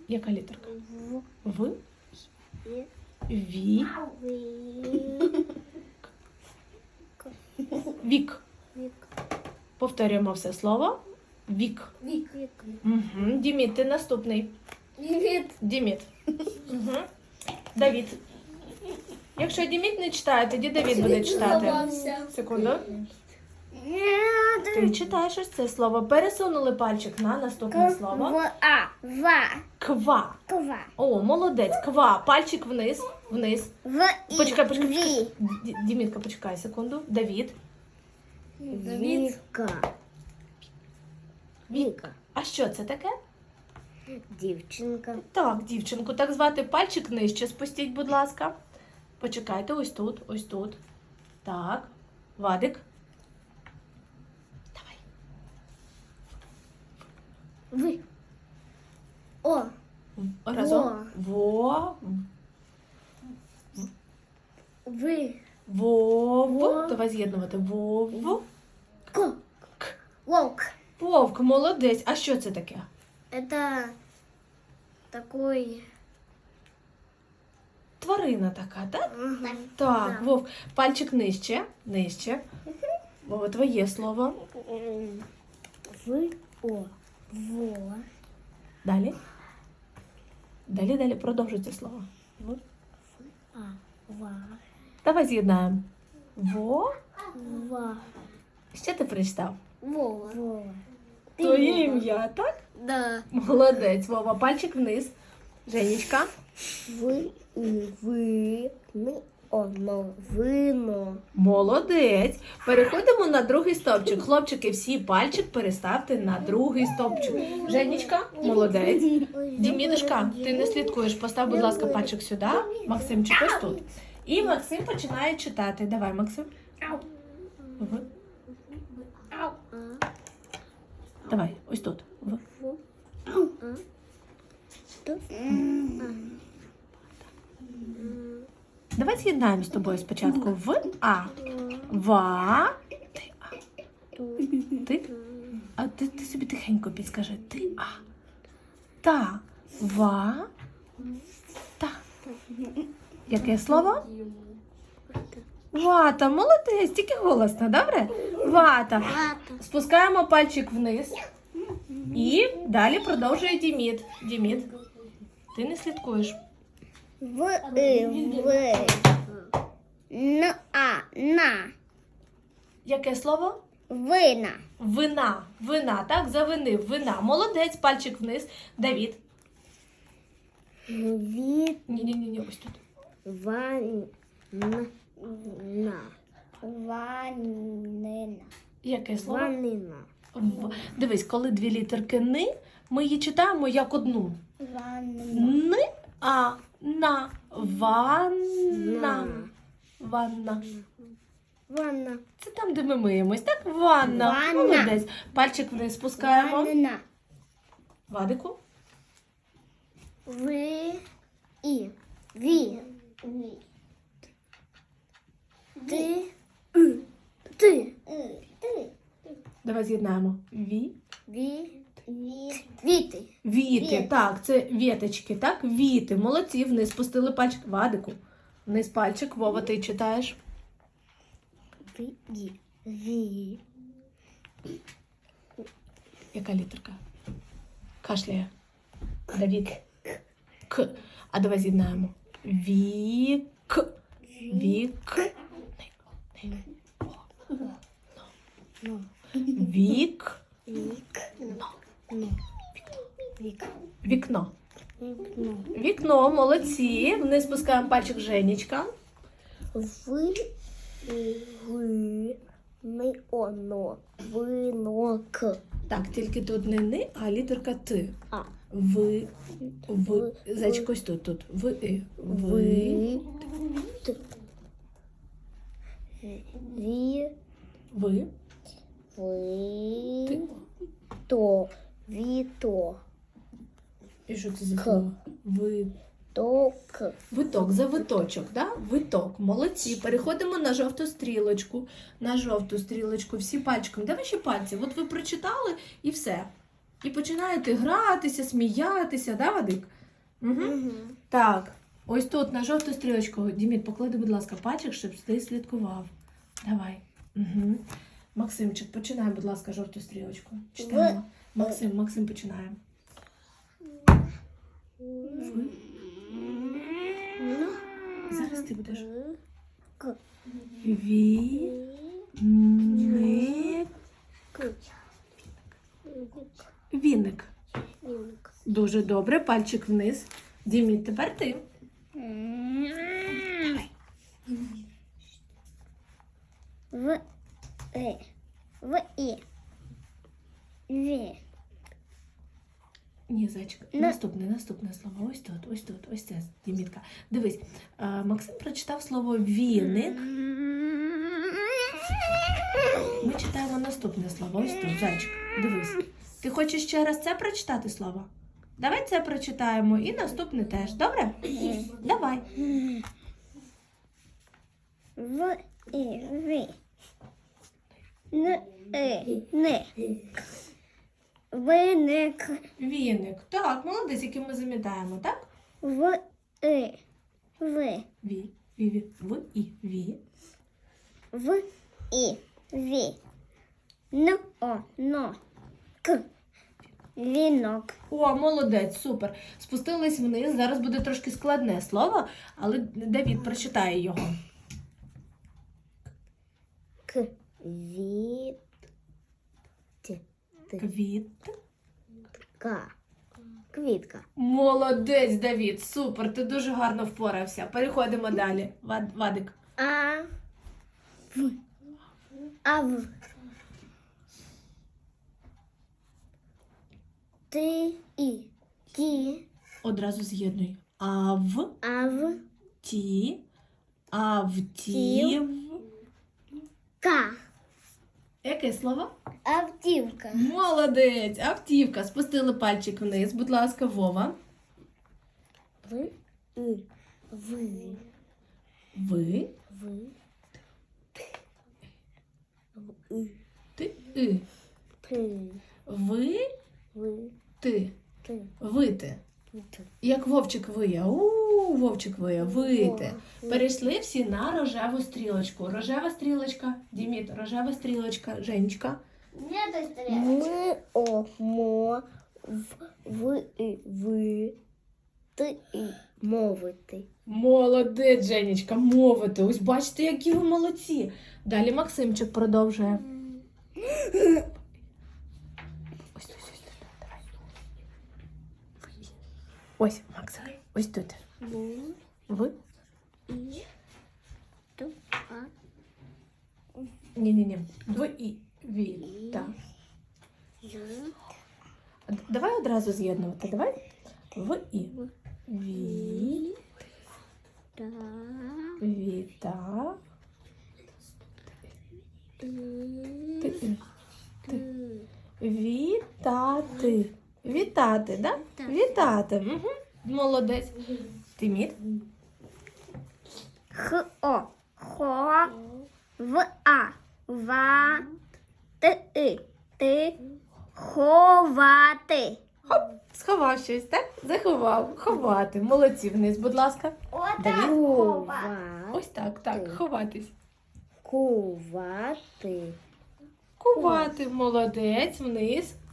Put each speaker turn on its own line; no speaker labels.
Яка літерка?
В.
В.
І.
Ві. Вік.
Вік.
Повторюємо все слово. Вік.
Вік.
Угу. Діміт, ти наступний.
Вік.
Діміт. Угу. Давід. Якщо Діміт не читає, тоді Давід буде читати. Секунду. Ти читаєш ось це слово. Пересунули пальчик на наступне слово.
Ва.
Ква.
Ква.
О, молодець. Ква. Пальчик вниз. Вниз.
В.
Почекай. Дімітка, почекай секунду. Давід.
Віка.
Віка. А що це таке?
Дівчинка.
Так, дівчинку, так звати пальчик нижче спустіть, будь ласка. Почекайте, ось тут, ось тут. Так. Вадик. Давай.
Ви. О.
Разом. Во.
Ви.
Вов.
Во.
Давай з'єднувати. Вов.
Ко.
К.
Вовк.
Вовк, молодець. А що це таке?
Это такой...
Тварина така, так?
Ага.
Так,
Да.
Вовк. Пальчик нижче. Нижче. Вова, твоє слово.
В. О. Во.
Далі. Далі. Продовжуй це слово.
А. Ва.
Давай з'єднаємо. Во.
Ва.
Що ти прочитав?
Вова. Вова.
Твоє ім'я, так?
Да.
Молодець, Вова. Пальчик вниз. Женечка.
Ви. Оно. Вино.
Молодець. Переходимо на другий стовпчик. Хлопчики, всі пальчик переставте на другий стовпчик. Женечка, молодець. Дімідушка, ти не слідкуєш. Постав, будь ласка, пальчик сюди. Максимчик, ось тут. І Максим починає читати. Давай, Максим. В. Давай, ось тут. В. Давай з'єднаємо з тобою спочатку в А. Ва. Ти А. Ти? А ти собі тихенько підскажи. Ти А. Та. Ва. Та. Яке слово? Вата. Молодець. Тільки голосно, добре? Вата. Спускаємо пальчик вниз. І далі продовжує Діміт. Діміт. Ти не слідкуєш.
В. На.
Яке слово?
Вина.
Вина. Вина, так? Завинив. Вина. Молодець. Пальчик вниз. Давід.
Від.
Ні, ось тут.
Ванна. Ванина.
Яке слово?
Ванина.
Дивись, коли дві літерки «ни», ми її читаємо як одну.
Ванна.
«Ни», а «на». Ванна. Ванна.
Ванна.
Це там, де ми миємось, так? Ванна.
Ванна.
Молодець. Пальчик вниз спускаємо.
Ванна.
Вадику.
Ви. І. Ві. Ти. Ти.
Давай з'єднаємо. Ві.
Ві. Віти.
Віти, так, це віточки, так? Віти. Молодці, вниз спустили пальчик. Вадику. Вниз пальчик. Вова, ти читаєш.
Ві.
Яка літерка? Кашляє. Давід. К. А давай з'єднаємо. Вік. Вік. Вік. Вікно. Вікно, молодці. Вниз спускаємо пальчик Женечка.
Ми, оно, винок.
Так, тільки тут не «ни», а літерка «т».
А.
В. Зайчик, ось тут. В. Ви.
Ві.
Ви.
Ви. То. Віто.
І що це за слово? Ви.
Ток.
Виток, за виточок, да? Виток. Молодці. Переходимо на жовту стрілочку. На жовту стрілочку. Всі пальчиком. Де ваші пальці? От ви прочитали і все. І починаєте гратися, сміятися, да, Вадик? Угу. Так, ось тут на жовту стрілочку. Діміт, поклади, будь ласка, пальчик, щоб ти слідкував. Давай. Угу. Максимчик, починай, будь ласка, жовту стрілочку. Читаємо. Максим, починає. Зараз ти будеш.
К.
Віник. Дуже добре. Пальчик вниз. Діміт, тепер ти. Ні, зайчик. Наступне слово. Ось тут. Ось це, Дімітка. Дивись, Максим прочитав слово віник. Ми читаємо наступне слово. Ось тут, зайчик. Дивись. Ти хочеш ще раз це прочитати слово? Давай це прочитаємо і наступне теж. Добре? Давай.
Виник.
Віник. Так, молодець, який ми замітаємо, так?
В.
Ві. В і ві.
В. І. Ві. Но. К. Вінок.
О, молодець, супер. Спустились вниз. Зараз буде трошки складне слово, але Давід прочитає його.
Квітка. Квітка.
Молодець, Давід, супер, ти дуже гарно впорався. Переходимо далі. Вадик.
Ав. Ти і. Ті.
Одразу з'єднуй.
Ав.
Ті. Автів.
Ка.
Яке слово?
Автівка.
Молодець, автівка. Спустили пальчик вниз, будь ласка, Вова.
Ви.
Ти.
Ти.
Ви.
Ви.
Ти.
Ти.
Вити. Як вовчик виє. Вовчик виє. Вити. Перейшли всі на рожеву стрілочку. Рожева стрілочка. Діміт, рожева стрілочка. Женечка.
Ми. Мо. Ви. Ти. Мовити.
Молодець, Женечка, мовити. Ось бачите, які ви молодці. Далі Максимчик продовжує. Ось. Давай. Ось, Максим. Ось тут. Ви? Ні. Ви і ві. Так. Давай одразу з'єднувати. Давай. В і. Ві. Віта. Ти. Вітати. Вітати, да? Вітати. Угу. Молодець. Тиміт.
Хо. Ва. Ти. Ховати.
Сховав щось, так? Заховав. Ховати. Молодці вниз, будь ласка. Давід. Ось так. Ховатись.
Кувати.
Кувати. Молодець. Вниз.